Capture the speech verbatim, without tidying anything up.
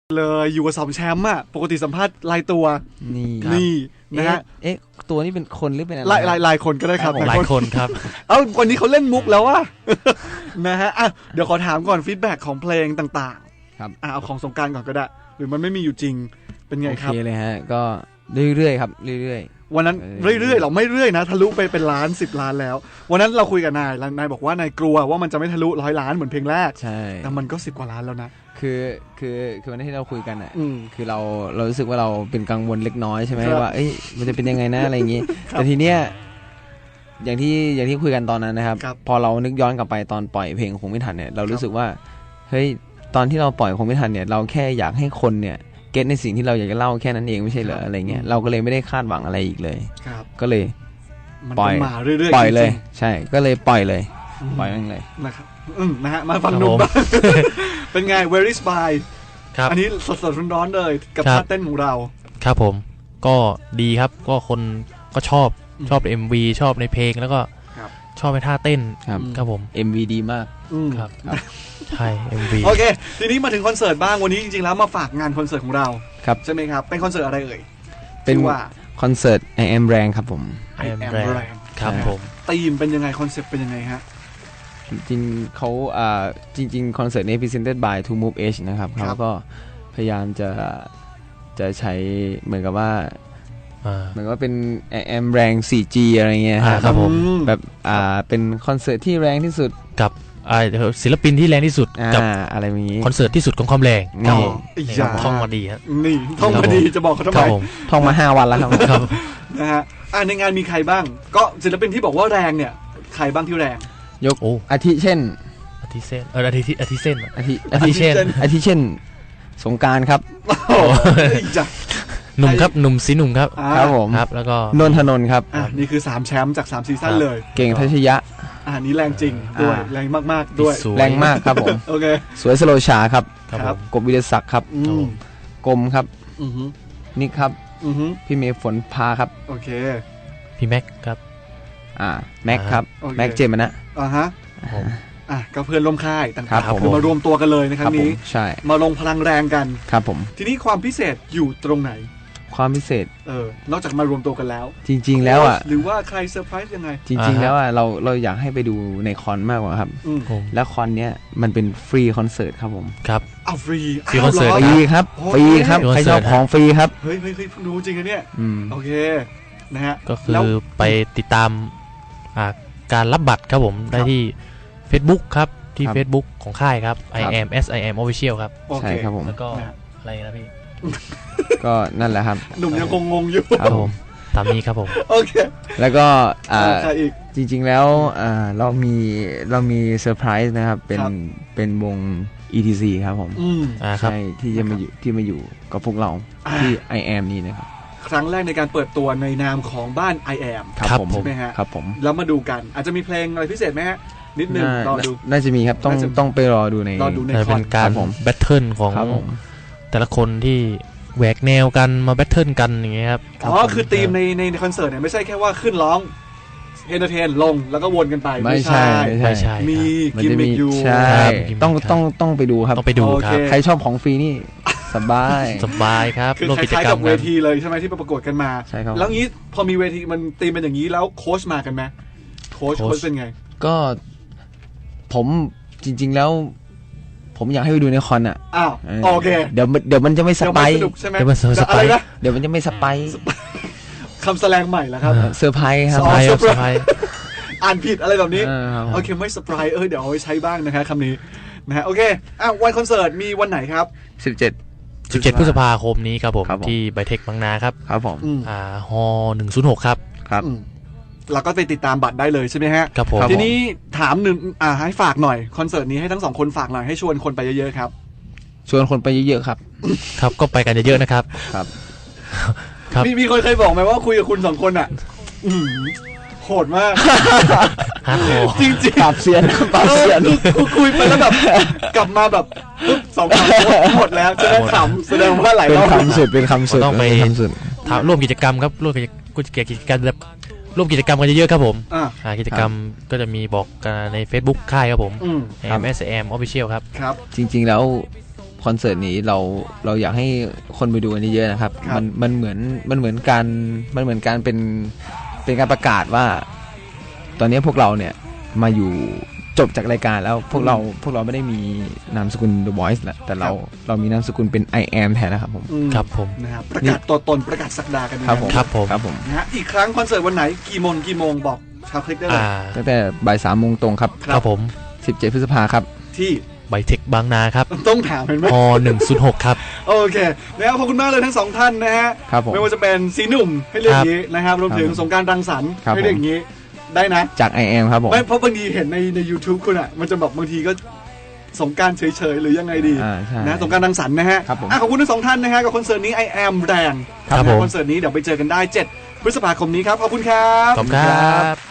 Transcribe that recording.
เลยอยู่กับสองแชมป์อ่ะปกติสัมภาษณ์รายตัวนี่นี่นะฮะเอ๊ะตัวนี้เป็นคนหรือเป็นอะไรหลายหลายหลายคนก็ได้ครับหลายคนครับเอ้าวันนี้เขาเล่นมุกแล้วว่ะนะฮะอ่ะเดี๋ยวขอถามก่อนฟีดแบ็กของเพลงต่างๆครับอ่ะเอาของสงกรานต์ก่อนก็ได้หรือมันไม่มีอยู่จริงเป็นไงครับโอเคเลยฮะก็เรื่อยๆครับเรื่อยๆวันนั้นเรื่อยๆเราไม่เรื่อยนะทะลุไปเป็นล้านสิบล้านแล้ววันนั้นเราคุยกับนายนายบอกว่านายกลัวว่ามันจะไม่ทะลุร้อยล้านเหมือนเพลงแรกใช่แต่มันก็สิบกว่าล้านแล้วนะคือคือคือวันที่เราคุยกันอ่ะอืมคือเราเรารู้สึกว่าเราเป็นกังวลเล็กน้อยใช่ไหมว่าเอ้ยมันจะเป็นยังไงนะอะไรอย่างงี้แต่ทีเนี้ยอย่างที่อย่างที่คุยกันตอนนั้นนะครับพอเรานึกย้อนกลับไปตอนปล่อยเพลงคงไม่ทันเนี่ยเรารู้สึกว่าเฮ้ยตอนที่เราปล่อยคงไม่ทันเนี่ยเราแค่อยากให้คนเนี่ยเก็ตในสิ่งที่เราอยากจะเล่าแค่นั้นเองไม่ใช่เหรออะไรเงี้ยเราก็เลยไม่ได้คาดหวังอะไรอีกเลยก็เลยปล่อยปล่อยเลยใช่ก็เลยปล่อยเลยปล่อยมันเลยนะครับอืมนะฮะมาฟังหนุ่มบ้างเป็นไง Very Spy ครับอันนี้สดๆร้อนๆเลยกับท่าเต้นของเราครับผมก็ดีครับก็คนก็ชอบชอบ เอ็ม วี ชอบในเพลงแล้วก็ชอบในท่าเต้นครับผมเอ็ม วี ดีมากครับใช่ เอ็ม วีโอเคทีนี้มาถึงคอนเสิร์ตบ้างวันนี้จริงๆแล้วมาฝากงานคอนเสิร์ตของเราครับใช่ไหมครับเป็นคอนเสิร์ตอะไรเอ่ยเป็นว่าคอนเสิร์ต I am แรงครับผม I am แรงครับผมธีมเป็นยังไงคอนเซ็ปต์เป็นยังไงฮะจริงๆเขาอ่าจริงๆคอนเสิร์ตนี้ presented by To Move Edge นะครับเขาก็พยายามจะจะใช้เหมือนกับว่าเหมือนว่าเป็น I am แรง โฟร์จี อะไรเงี้ยครับผมแบบอ่าเป็นคอนเสิร์ตที่แรงที่สุดกับศิลปินที่แรงที่สุดกับอะไรอย่างนี้คอนเสิร์ตที่สุดของความแรงนี่ท่องมาดีครับนี่ท่องมาดีจะบอกเขาทำไมท่องมาห้าวันแล้วครับนะฮะในงานมีใครบ้างก็ศิลปินที่บอกว่าแรงเนี่ยใครบ้างที่แรงยกอาทิเช่นอาทิเช่นเอออาทิอาทิเช่นอาทิอาทิเช่นอาทิเช่นสงการครับหนุ่มครับหนุ่มสีหนุ่มครับครับผมครับแล้วก็นนทนนท์ครับอ่ะนี่คือสามแชมป์จากสามซีซั่นเลยเก่งทัชยะอ่านี้แรงจริงด้วยแรงมากๆด้วยแรงมากครับผมโอเคสวยสโลชาครับครับกบวิทยาศักดิ์ครับกรมครับนิกครับพี่เมย์ฝนพาครับโอเคพี่แม็กครับอ่าแม็กครับแม็กเจมส์นะอ่าฮะอ่ะก็เพื่อนร่วมค่ายต่างๆคือมารวมตัวกันเลยในครั้งนี้ใช่มาลงพลังแรงกันครับผมทีนี้ความพิเศษอยู่ตรงไหนความพิเศษเออนอกจากมารวมตัวกันแล้วจริงๆแล้วอ่ะหรือว่าใครเซอร์ไพรส์ยังไงจริงๆแล้วอ่ะเราเราอยากให้ไปดูในคอนมากกว่าครับแล้วคอนเนี้ยมันเป็นฟรีคอนเสิร์ตครับผมครับอ้าวฟรีฟรีคอนเสิร์ตฟรีครับฟรีครับใครชอบของฟรีครับเฮ้ยเฮ้ยเฮ้ยรู้จริงนะเนี่ยโอเคนะฮะก็คือไปติดตามการรับบัตรครับผมได้ที่ Facebook ครับที่ Facebook ของค่ายครับ I am S I am Official ครับใช่ครับผมแล้วก็อะไรนะพี่ก็นั่นแหละครับหนุ่มยังงงๆอยู่ครับผมตามนี้ครับผมโอเคแล้วก็จริงๆแล้วเรามีเรามีเซอร์ไพรส์นะครับเป็นเป็นวง อี ที ซี ครับผมใช่ที่จะมาอยู่ที่มาอยู่กับพวกเราที่ I am นี่นะครับครั้งแรกในการเปิดตัวในนามของบ้าน I am ครับผมใช่ไหมฮะครับผมแล้วมาดูกันอาจจะมีเพลงอะไรพิเศษไหมฮะนิดนึงรอดูน่าจะมีครับต้องต้องไปรอดูในรอดูในคอนการแบทเทิลของแต่ละคนที่แหวกแนวกันมาแบทเทิลกันอย่างเงี้ยครับอ๋อคือธีมในในคอนเสิร์ตเนี่ยไม่ใช่แค่ว่าขึ้นร้องเอนเตอร์เทนลงแล้วก็วนกันไปไม่ใช่ไม่ใช่มีกิมมิคอยู่ใช่ต้องต้องต้องไปดูครับต้องไปดูครับใครชอบของฟรีนี่สบายสบายครับคือคล้ายๆกับเวทีเลยใช่ไหมที่ประกวดกันมาแล้วงี้พอมีเวทีมันธีมเป็นอย่างนี้แล้วโค้ชมากันไหมโค้ชโค้ชเป็นไงก็ผมจริงๆแล้วผมอยากให้ไปดูในคอนอ่ะอ้าวโอเคเดี๋ยวเดี๋ยวมันจะไม่สไปร์เดี๋ยวมันสไปร์เดี๋ยวมันจะไม่สไปร์คำแสดงใหม่แล้วครับเซอร์ไพรส์ครับเซอร์ไพรส์อ่านผิดอะไรแบบนี้โอเคไม่เซอร์ไพรส์เออเดี๋ยวเอาไว้ใช้บ้างนะครับคำนี้นะฮะโอเคอ่ะวันคอนเสิร์ตมีวันไหนครับสิบเจ็ดสิบเจ็ดพฤษภาคมนี้ครับผมที่ไบเทคบางนาครับครับผมอ่าฮอหนึ่งศูนย์หกครับครับเราก็ไปติดตามบัตรได้เลยใช่ไหมฮะครับผมทีนี้ถามหนึ่งอ่าให้ฝากหน่อยคอนเสิร์ตนี้ให้ทั้งสองคนฝากหน่อยให้ชวนคนไปเยอะๆครับชวนคนไปเยอะๆครับครับก็ไปกันเยอะๆนะครับครับครับมีมีคนเคยบอกไหมว่าคุยกับคุณสองคนอ่ะโหดมากจริงๆปรับเสียนปรับเสียนคุยไปแล้วแบบกลับมาแบบสองคำหมดแล้วจะได้ขำแสดงว่าหลายรอบเป็นคำสุดเป็นคำสุดต้องไปร่วมกิจกรรมครับร่วมกิจกรรมแบบร่วมกิจกรรมกันเยอะๆครับผมอ่ากิจกรรมก็จะมีบอกกันใน Facebook ค่ายครับผม เอ็ม เอส เอ็ม Official ครับครับจริงๆแล้วคอนเสิร์ตนี้เราเราอยากให้คนไปดูกันเยอะๆนะครับครับมันมันเหมือนมันเหมือนการมันเหมือนการเป็นเป็นการประกาศว่า ตอนนี้พวกเราเนี่ยมาอยู่จบจากรายการแล้วพวกเราพวกเราไม่ได้มีนามสกุล The Voice แล้วแต่เราเรามีนามสกุลเป็น I am แทนนะครับผมอืมครับผมนะครับประกาศตัวตนประกาศศักดากันครับผมครับผมครับผมนะฮะอีกครั้งคอนเสิร์ตวันไหนกี่โมงกี่โมงบอกชาวคลิกได้เลยอ่าตั้งแต่บ่ายสามโมงตรงครับครับผมสิบเจ็ดพฤษภาครับที่ไบเทคบางนาครับต้องถามเห็นไหมฮหนึ่งศูนย์หกครับโอเคนะครับขอบคุณมากเลยทั้งสองท่านนะฮะครับผมไม่ว่าจะเป็นสีหนุ่มให้เรียกอย่างนี้นะครับรวมถึงครับสงกรารรังสรรค์ครับให้เรียกอย่างนี้ได้นะจาก I am ครับผมไม่เพราะบางทีเห็นในใน YouTube คุณอ่ะมันจะแบบบางทีก็สงกรารเฉยๆหรือยังไงดีอ่าใช่นะสงกรารรังสรรค์นะฮะครับผมอ่ะขอบคุณทั้งสองท่านนะฮะกับคอนเสิร์ตนี้ I am แรงครับนะผมคอนเสิร์ตนี้เดี๋ยวไปเจอกันได้เจ็ดพฤษภาคมนี้ครับขอบคุณครับขอบคุณครับ